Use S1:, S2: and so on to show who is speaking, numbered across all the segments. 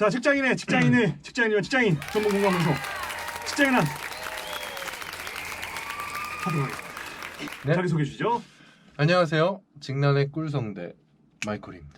S1: 자, 직장인이면 직장인 전문 공감 방송 직장인한 하도록 하겠습니다.
S2: 네.
S1: 자기 소개해 주시죠.
S2: 안녕하세요. 직난의 꿀성대 마이콜입니다.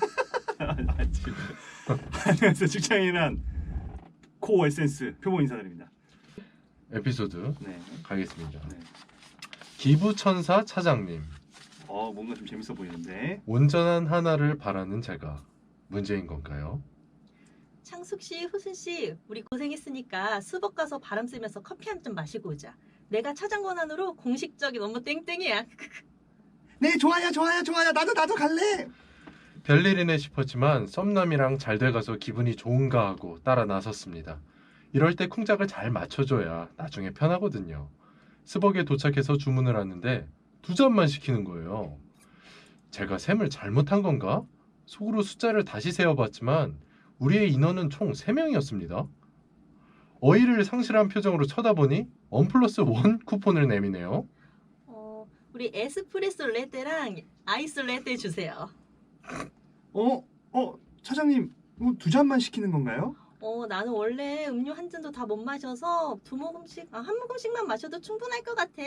S1: 안녕하세요. 직장인한 코어 에센스 표본 인사드립니다.
S2: 에피소드
S1: 네.
S2: 가겠습니다.
S1: 네.
S2: 기부천사 차장님.
S1: 뭔가 좀 재밌어 보이는데.
S2: 온전한 하나를 바라는 제가 문제인 건가요?
S3: 창숙 씨, 후순 씨, 우리 고생했으니까 수복 가서 바람 쐬면서 커피 한 잔 마시고 오자. 내가 차장 권한으로 공식적인 업무 땡땡이야.
S1: 네, 좋아요. 나도 갈래.
S2: 별일이네 싶었지만 썸남이랑 잘 돼가서 기분이 좋은가 하고 따라 나섰습니다. 이럴 때 쿵짝을 잘 맞춰줘야 나중에 편하거든요. 스벅에 도착해서 주문을 하는데 2잔만 시키는 거예요. 제가 셈을 잘못한 건가? 속으로 숫자를 다시 세어봤지만 우리의 인원은 총 3명이었습니다. 어이를 상실한 표정으로 쳐다보니 1+1 쿠폰을 내미네요.
S3: 우리 에스프레소 레떼랑 아이스 레떼 주세요.
S1: 차장님, 2잔만 시키는 건가요?
S3: 나는 원래 음료 한 잔도 다 못 마셔서 한 모금씩만 마셔도 충분할 것 같아.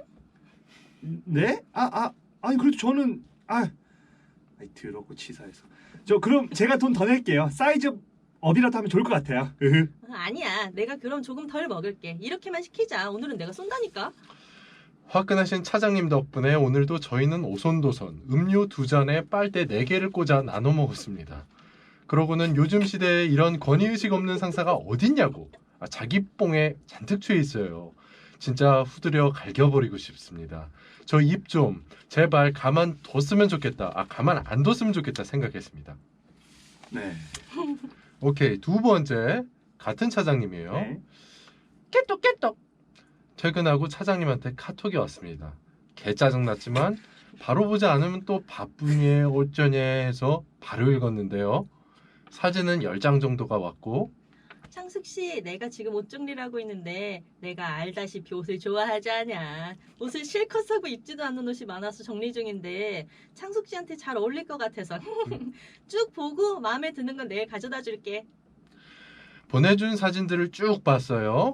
S1: 네? 아니 그래도 저는 더럽고 치사해서. 그럼 제가 돈 더 낼게요. 사이즈 업이라도 하면 좋을 것 같아요.
S3: 아니야, 내가 그럼 조금 덜 먹을게. 이렇게만 시키자. 오늘은 내가 쏜다니까.
S2: 화끈하신 차장님 덕분에 오늘도 저희는 오손도손 음료 2잔에 빨대 4개를 꽂아 나눠 먹었습니다. 그러고는 요즘 시대에 이런 권위의식 없는 상사가 어딨냐고 자기 뽕에 잔뜩 취해 있어요. 진짜 후드려 갈겨버리고 싶습니다. 저 입 좀 제발 가만 안 뒀으면 좋겠다 생각했습니다.
S1: 네.
S2: 오케이, 2번째 같은 차장님이에요.
S1: 네.
S2: 깨똑 퇴근하고 차장님한테 카톡이 왔습니다. 개 짜증났지만 바로 보지 않으면 또 바쁘니 어쩌냐 해서 바로 읽었는데요. 사진은 10장 정도가 왔고,
S3: 창숙 씨, 내가 지금 옷 정리를 하고 있는데 내가 알다시피 옷을 좋아하지 않냐. 옷을 실컷 사고 입지도 않는 옷이 많아서 정리 중인데 창숙 씨한테 잘 어울릴 것 같아서 쭉 보고 마음에 드는 건 내일 가져다 줄게.
S2: 보내준 사진들을 쭉 봤어요.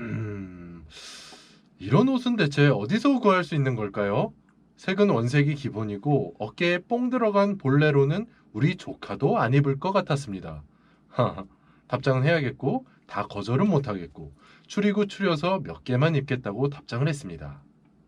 S2: 이런 옷은 대체 어디서 구할 수 있는 걸까요? 색은 원색이 기본이고 어깨에 뽕 들어간 볼레로는 우리 조카도 안 입을 것 같았습니다. 답장은 해야겠고 다 거절은 못하겠고 추려서 몇 개만 입겠다고 답장을 했습니다.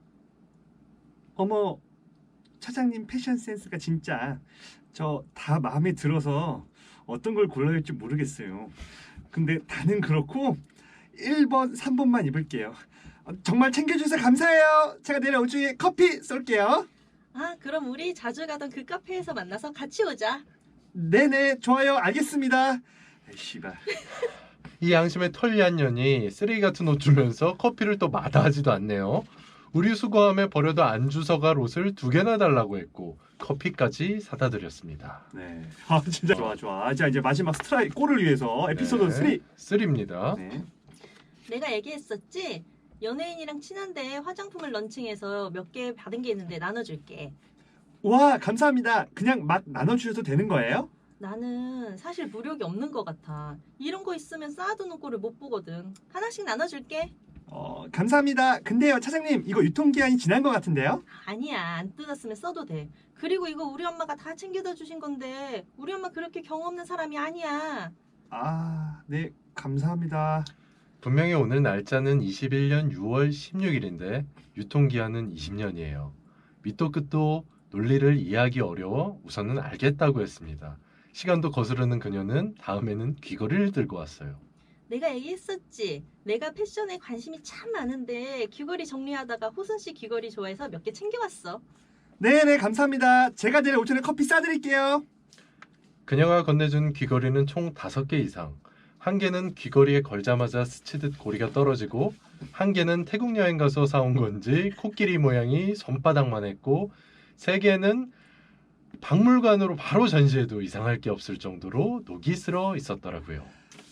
S1: 어머, 차장님 패션 센스가 진짜 저 다 마음에 들어서 어떤 걸 골라야 할지 모르겠어요. 근데 다는 그렇고 1번, 3번만 입을게요. 정말 챙겨주셔서 감사해요. 제가 내일 오중에 커피 쏠게요.
S3: 그럼 우리 자주 가던 그 카페에서 만나서 같이 오자.
S1: 네네, 좋아요. 알겠습니다. 씨발.
S2: 이 양심의 털리한 년이 쓰레기 같은 옷 주면서 커피를 또 마다하지도 않네요. 우리 수거함에 버려도 안 주워갈 옷을 2개나 달라고 했고 커피까지 사다 드렸습니다.
S1: 네. 진짜 좋아. 자, 이제 마지막 골을 위해서 에피소드 3.
S2: 3입니다.
S1: 네.
S3: 내가 얘기했었지? 연예인이랑 친한데 화장품을 런칭해서 몇 개 받은 게 있는데 나눠줄게.
S1: 와, 감사합니다. 그냥 막 나눠주셔도 되는 거예요?
S3: 나는 사실 무력이 없는 것 같아. 이런 거 있으면 쌓아두는 꼴을 못 보거든. 하나씩 나눠줄게.
S1: 감사합니다. 근데요, 차장님, 이거 유통기한이 지난 것 같은데요?
S3: 아니야, 안 뜯었으면 써도 돼. 그리고 이거 우리 엄마가 다 챙겨다 주신 건데 우리 엄마 그렇게 경 없는 사람이 아니야.
S1: 네, 감사합니다.
S2: 분명히 오늘 날짜는 21년 6월 16일인데 유통기한은 20년이에요. 밑도 끝도 논리를 이해하기 어려워 우선은 알겠다고 했습니다. 시간도 거스르는 그녀는 다음에는 귀걸이를 들고 왔어요.
S3: 내가 얘기했었지. 내가 패션에 관심이 참 많은데 귀걸이 정리하다가 호순 씨 귀걸이 좋아해서 몇 개 챙겨왔어.
S1: 네네, 감사합니다. 제가 내일 오전에 커피 싸드릴게요.
S2: 그녀가 건네준 귀걸이는 총 5개 이상. 1개는 귀걸이에 걸자마자 스치듯 고리가 떨어지고 1개는 태국 여행 가서 사온 건지 코끼리 모양이 손바닥만 했고 3개는 박물관으로 바로 전시해도 이상할 게 없을 정도로 녹이 슬어 있었더라고요.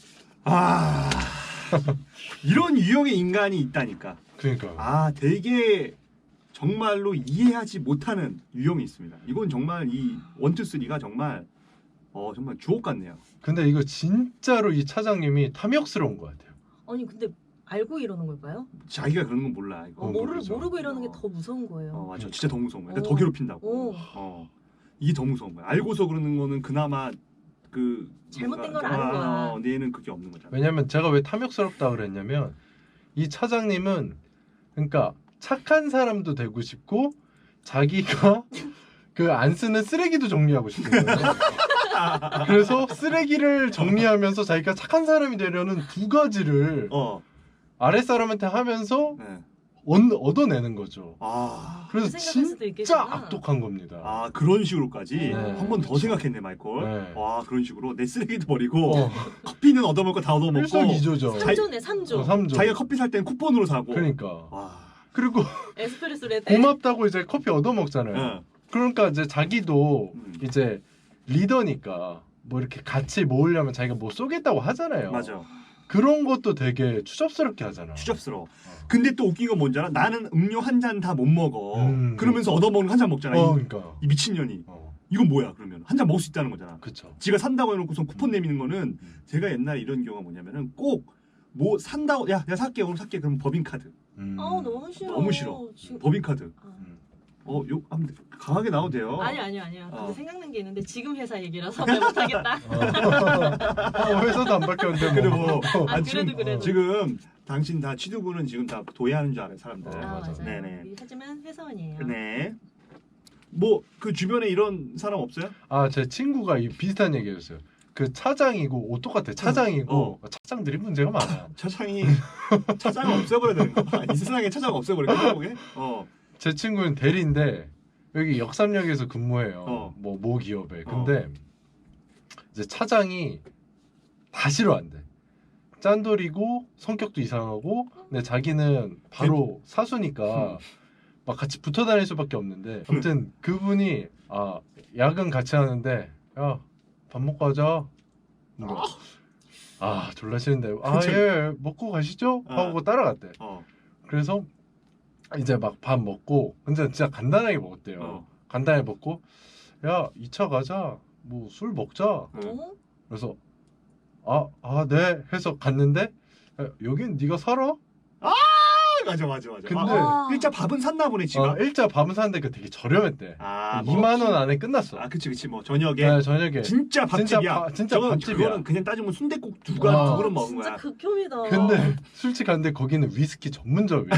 S1: 이런 유형의 인간이 있다니까.
S2: 그러니까.
S1: 되게 정말로 이해하지 못하는 유형이 있습니다. 이건 정말 이 1, 2, 3가 정말 정말 주옥 같네요.
S2: 근데 이거 진짜로 이 차장님이 탐욕스러운 것 같아요.
S3: 아니 근데 알고 이러는 걸까요?
S1: 자기가 그런 건 몰라. 이거.
S2: 모르죠.
S3: 모르고 이러는 게 더 무서운 거예요.
S1: 맞아. 진짜 더 무서운 거야. 그러니까
S3: 어.
S1: 더 괴롭힌다고.
S3: 어.
S1: 이게 더 무서운 거야. 알고서 그러는 거는 그나마 그
S3: 잘못된
S1: 뭔가-
S3: 걸 아는 거야.
S1: 근데 얘는 그게 없는 거잖아.
S2: 왜냐면 제가 왜 탐욕스럽다 그랬냐면 이 차장님은 그러니까 착한 사람도 되고 싶고 자기가 그 안 쓰는 쓰레기도 정리하고 싶은 거예요. 그래서 쓰레기를 정리하면서 자기가 착한 사람이 되려는 두 가지를 아랫사람한테 하면서
S1: 네.
S2: 얻어내는 거죠. 그래서
S3: 그 생각할 수도
S2: 진짜
S3: 있겠구나.
S2: 악독한 겁니다.
S1: 그런 식으로까지
S3: 네.
S1: 한 번 더 생각했네 마이콜.
S2: 네.
S1: 그런 식으로 내 쓰레기도 버리고
S2: 어,
S1: 커피는 얻어먹고 다 얻어먹고
S2: 일석이조죠.
S3: 3조네 3조.
S2: 3조.
S1: 자기가 커피 살 때는 쿠폰으로 사고.
S2: 그러니까.
S1: 와.
S2: 그리고
S3: 에스프레소 레떼.
S2: 고맙다고 이제 커피 얻어먹잖아요.
S1: 네.
S2: 그러니까 이제 자기도
S1: 음.
S2: 이제 리더니까 뭐 이렇게 같이 모으려면 자기가 뭐 쏘겠다고 하잖아요.
S1: 맞아.
S2: 그런 것도 되게 추접스럽게 하잖아.
S1: 추접스러워. 근데 또 웃긴 건 뭔지 알아? 나는 음료 한 잔 다 못 먹어. 그러면서 얻어먹는 한 잔 먹잖아.
S2: 그러니까.
S1: 이 미친년이. 이건 뭐야 그러면 한 잔 먹을 수 있다는 거잖아.
S2: 그쵸.
S1: 지가 산다고 해놓고선 쿠폰 내미는 거는 제가 옛날에 이런 경우가 뭐냐면은 꼭 뭐 산다고 야 내가 살게 오늘 살게 그럼 법인카드.
S3: 너무 싫어.
S1: 너무 싫어.
S3: 지금...
S1: 법인카드. 욕 한번 강하게 나와도 돼요.
S3: 아니요. 근데 생각난 게 있는데 지금 회사 얘기라서 말 못하겠다.
S2: 회사도 안 바뀌었는데
S1: 그래
S2: 뭐.
S3: 그래도.
S1: 지금 당신 다 취두부는 지금 다 도예하는 줄 알아요 사람들.
S2: 맞아.
S3: 맞아요.
S1: 네네.
S3: 하지만 회사원이에요.
S1: 네. 뭐 그 주변에 이런 사람 없어요?
S2: 제 친구가 이 비슷한 얘기였어요. 그 차장이고 옷 똑같아. 차장이고 차장들이 문제가 많아.
S1: 차장이 차장을 없애버려야 되는 거야. 이 세상에 차장 없애버릴까 보게.
S2: 제 친구는 대리인데 여기 역삼역에서 근무해요. 뭐 기업에. 근데 이제 차장이 다 싫어한대. 짠돌이고 성격도 이상하고 근데 자기는 바로 사수니까 막 같이 붙어 다닐 수밖에 없는데 아무튼 그분이 야근 같이 하는데 야 밥 먹고 하자. 졸라 싫은데 예 먹고 가시죠 하고 따라갔대. 그래서 이제 막 밥 먹고 근데 진짜 간단하게 먹었대요. 간단하게 먹고 야 2차 가자 뭐 술 먹자. 그래서 네 해서 갔는데 여긴 네가 살아?
S1: 맞아.
S2: 근데
S1: 일자 밥은 샀나 보네 지금.
S2: 일자 밥은 샀는데 그 되게 저렴했대. 2만 원 안에 끝났어.
S1: 그치 뭐 저녁에.
S2: 네, 저녁에.
S1: 진짜 밥집이야.
S2: 진짜 밥집이야.
S1: 그거는 그냥 따지면 순댓국 두 그릇 먹은
S3: 진짜
S1: 거야.
S3: 극혐이다.
S2: 근데 술집 갔는데 거기는 위스키 전문점이야.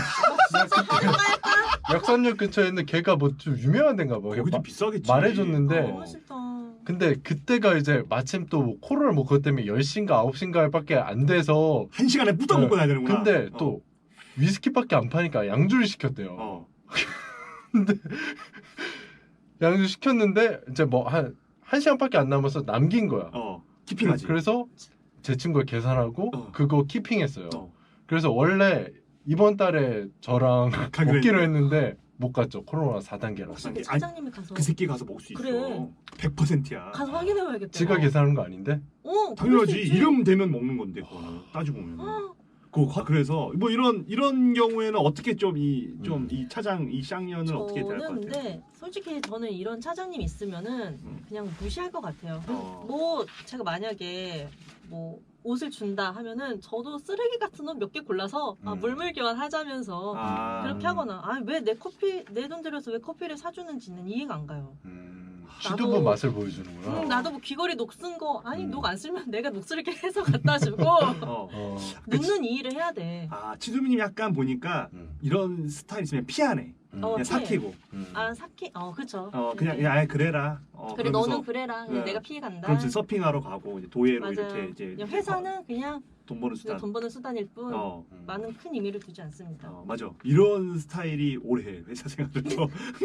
S2: 역삼역 근처에 있는 걔가 뭐 좀 유명한 데인가 봐.
S1: 거기도 비싸겠지.
S2: 말해줬는데
S3: 너무 싫다.
S2: 근데 그때가 이제 마침 또 코로나 뭐 그것 때문에 10시인가 9시인가밖에 안 돼서
S1: 1시간에 뿌떡 먹고 나야 되는구나.
S2: 근데 또 위스키밖에 안 파니까 양주를 시켰대요. 근데 양주 시켰는데 이제 뭐 한 1시간밖에 안 남아서 남긴 거야.
S1: 키핑하지.
S2: 그래서 제 친구가 계산하고 그거 키핑했어요. 그래서 원래 이번 달에 저랑 먹기로 했는데 못 갔죠. 코로나 4단계라서.
S3: 그 차장님이 가서
S1: 그 새끼 가서 먹을 수 있어.
S3: 그래.
S1: 100%야.
S3: 가서 확인해봐야겠다.
S2: 지가 계산한 거 아닌데?
S1: 당연하지. 이름 되면 먹는 건데 그거는 따지고 보면. 그래서 뭐 이런 경우에는 어떻게 좀 이 차장 이 쌍년을 어떻게 대할 것 같아요?
S3: 근데 솔직히 저는 이런 차장님 있으면은 그냥 무시할 것 같아요. 뭐 제가 만약에 뭐 옷을 준다 하면은 저도 쓰레기 같은 옷 몇 개 골라서 물물 교환하자면서 그렇게 하거나 왜 내 돈 들여서 왜 커피를 사주는지는 이해가 안 가요.
S2: 취두부 맛을 보여주는구나.
S3: 나도 뭐 귀걸이 녹 쓴 거 녹 안 쓰면 내가 녹슬게 해서 갖다 주고 눕는 이 일을 해야 돼.
S1: 치두미님 약간 보니까 이런 스타일 있으면 피하네. 그냥 삭히고.
S3: 그쵸.
S1: 그냥 그래라.
S3: 그래 너는 그래라. 그냥 내가 피해 간다.
S1: 그럼 서핑하러 가고 이제 도예로
S3: 맞아요.
S1: 이렇게 이제
S3: 그냥 회사는 그냥
S1: 돈 버는 수단.
S3: 돈 버는 수단일 뿐 많은 큰 의미를 두지 않습니다.
S1: 맞아. 이런 스타일이 오래 회사 생활도.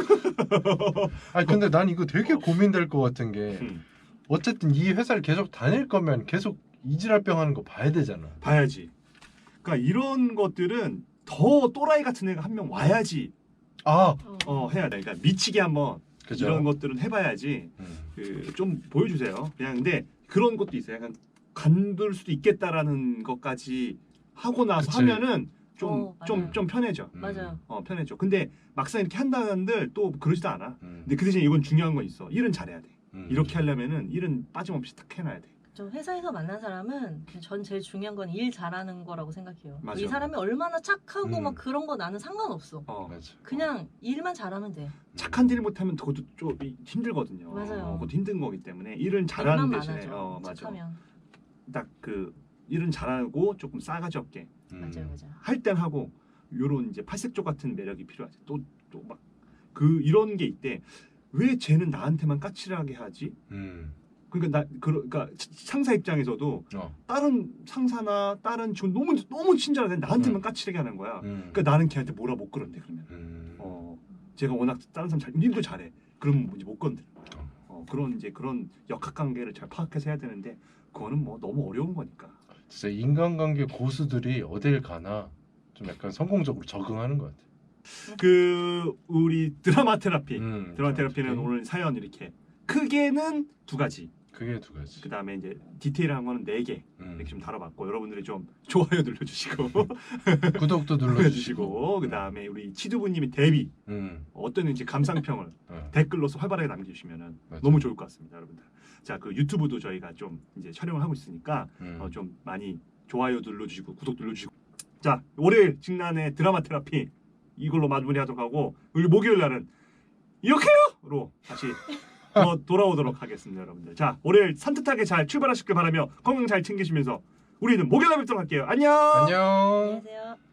S2: 근데 난 이거 되게 고민될 것 같은 게 어쨌든 이 회사를 계속 다닐 거면 계속 이지랄병 하는 거 봐야 되잖아.
S1: 봐야지. 그러니까 이런 것들은 더 또라이 같은 애가 한 명 와야지. 해야 돼. 그러니까 미치게 한번
S2: 그죠?
S1: 이런 것들은 해봐야지. 좀 보여주세요. 그냥 근데 그런 것도 있어요. 약간 간둘 수도 있겠다라는 것까지 하고 나서
S2: 그치.
S1: 하면은 좀 편해져.
S3: 맞아요.
S1: 편해져. 근데 막상 이렇게 한다는들 또 그러지도 않아. 근데 그 대신 이건 중요한 건 있어. 일은 잘해야 돼. 이렇게 하려면은 일은 빠짐없이 딱 해놔야 돼.
S3: 저 회사에서 만난 사람은 전 제일 중요한 건 일 잘하는 거라고 생각해요.
S1: 맞아.
S3: 이 사람이 얼마나 착하고
S2: 음.
S3: 막 그런 거 나는 상관없어.
S2: 맞아.
S3: 그냥 일만 잘하면 돼.
S1: 착한 일 못하면 그것도 좀 힘들거든요.
S3: 맞아요.
S1: 그것도 힘든 거기 때문에 일은 잘하는
S3: 일만
S1: 대신에
S3: 많아져.
S1: 맞아.
S3: 착하면.
S1: 딱 그 일은 잘하고 조금 싸가지 없게
S3: 맞아요, 맞아요.
S1: 할 땐 하고 요런 이제 팔색조 같은 매력이 필요하지. 또 막 그 이런 게 있대. 왜 쟤는 나한테만 까칠하게 하지? 그러니까 그러니까 상사 입장에서도 다른 상사나 다른 직원 너무 친절하게 나한테만 까칠하게 하는 거야. 그러니까 나는 걔한테 뭐라 못 그런대 그러면. 제가 워낙 다른 사람 일도 잘해. 그러면 이제 못 건드려. 그런 이제 그런 역학관계를 잘 파악해서 해야 되는데 그거는 뭐 너무 어려운 거니까.
S2: 진짜 인간관계 고수들이 어딜 가나 좀 약간 성공적으로 적응하는 것 같아.
S1: 그 우리 드라마 테라피. 드라마 테라피는
S2: 테라피.
S1: 오늘 사연 이렇게 크게는 2가지.
S2: 그게 2가지.
S1: 그 다음에 이제 디테일한 거는 4개 이렇게 좀 다뤄봤고 여러분들이 좀 좋아요 눌러주시고
S2: 구독도 눌러주시고.
S1: 그 다음에 우리 치두부님이 데뷔 어떤 이제 감상평을 댓글로서 활발하게 남겨주시면은
S2: 맞아.
S1: 너무 좋을 것 같습니다, 여러분들. 자, 그 유튜브도 저희가 좀 이제 촬영을 하고 있으니까 좀 많이 좋아요 눌러주시고 구독 눌러주시고. 자, 월요일 직난의 드라마 테라피 이걸로 마무리하도록 하고 우리 목요일 날은 이렇게요로 다시 돌아오도록 하겠습니다, 여러분들. 자, 월요일 산뜻하게 잘 출발하시길 바라며 건강 잘 챙기시면서 우리는 목요일 날 뵙도록 할게요. 안녕.
S2: 안녕.
S3: 안녕히 계세요.